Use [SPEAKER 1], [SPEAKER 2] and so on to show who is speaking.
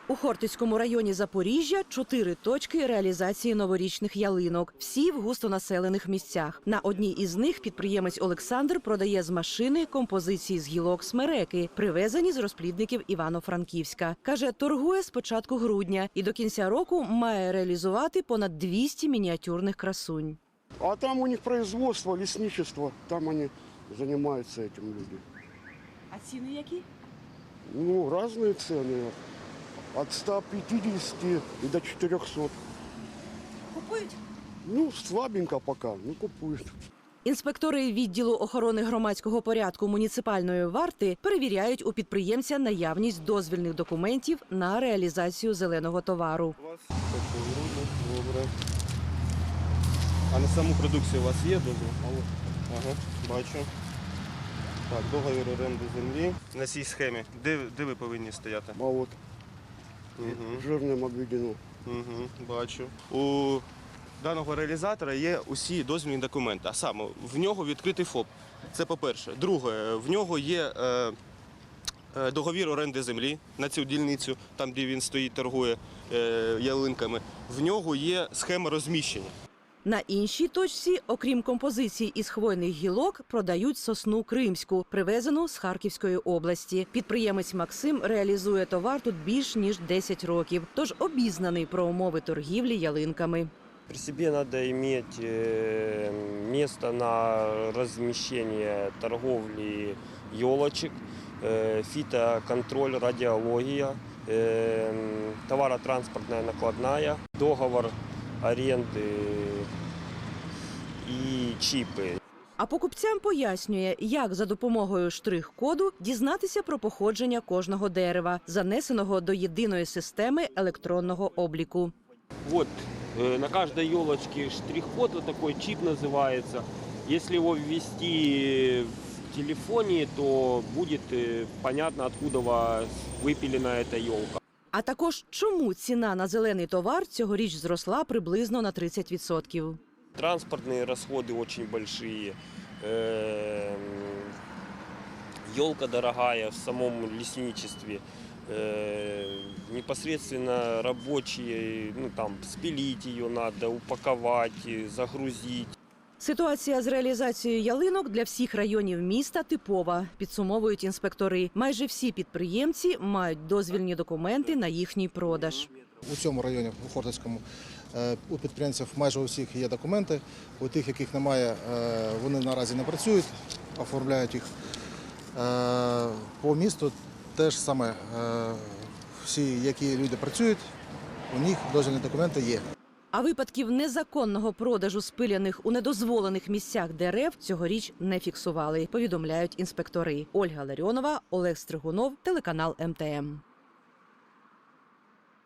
[SPEAKER 1] У Хортицькому районі Запоріжжя 4 точки реалізації новорічних ялинок. Всі в густонаселених місцях. На одній із них підприємець Олександр продає з машини композиції з гілок смереки, привезені з розплідників Івано-Франківська. Каже, торгує з початку грудня і до кінця року має реалізувати понад 200 мініатюрних красунь.
[SPEAKER 2] А там у них производство, лесничество, там они занимаются этим люди.
[SPEAKER 1] А ціни які?
[SPEAKER 2] Ну, разные цены. От 150 и до 400.
[SPEAKER 1] Купують?
[SPEAKER 2] Ну, слабенько пока, ну купуют.
[SPEAKER 1] Інспектори відділу охорони громадського порядку муніципальної варти перевіряють у підприємця наявність дозвільних документів на реалізацію зеленого товару.
[SPEAKER 3] Добре. А на саму продукцію у вас є дозвіл? Ага, бачу. Так, договір оренди землі. На цій схемі. Де ви повинні стояти?
[SPEAKER 2] А вот жирным обведено.
[SPEAKER 3] Бачу. У даного реалізатора є усі дозвільні документи, а саме в нього відкритий ФОП. Це по-перше. Друге, в нього є договір оренди землі на цю дільницю, там де він стоїть, торгує ялинками. В нього є схема розміщення.
[SPEAKER 1] На іншій точці, окрім композицій із хвойних гілок, продають сосну кримську, привезену з Харківської області. Підприємець Максим реалізує товар тут більш ніж 10 років, тож обізнаний про умови торгівлі ялинками.
[SPEAKER 4] При себе надо иметь место на размещение торговли елочек, фитоконтроль, радиология, товаротранспортная накладная, договор аренди і чіпи.
[SPEAKER 1] А покупцям пояснює, як за допомогою штрих-коду дізнатися про походження кожного дерева, занесеного до єдиної системи електронного обліку.
[SPEAKER 5] Вот на каждой елочке штрих-код, вот такой чип называется. Если его ввести в телефоне, то будет понятно, откуда выпилена эта елка.
[SPEAKER 1] А також, чому ціна на зелений товар цьогоріч зросла приблизно на 30%.
[SPEAKER 4] Транспортные расходы очень большие. Елка дорогая в самом лесничестве. Непосредственно рабочие, ну там спилить ее надо, упаковать, загрузить.
[SPEAKER 1] Ситуація з реалізацією ялинок для всіх районів міста типова, підсумовують інспектори. Майже всі підприємці мають дозвільні документи на їхній продаж.
[SPEAKER 6] У цьому районі, у Хортицькому, у підприємців майже у всіх є документи. У тих, яких немає, вони наразі не працюють, оформляють їх. По місту теж саме всі, які люди працюють, у них дозвільні документи є.
[SPEAKER 1] А випадків незаконного продажу спиляних у недозволених місцях дерев цьогоріч не фіксували, повідомляють інспектори. Ольга Ларіонова, Олег Стригунов, телеканал МТМ.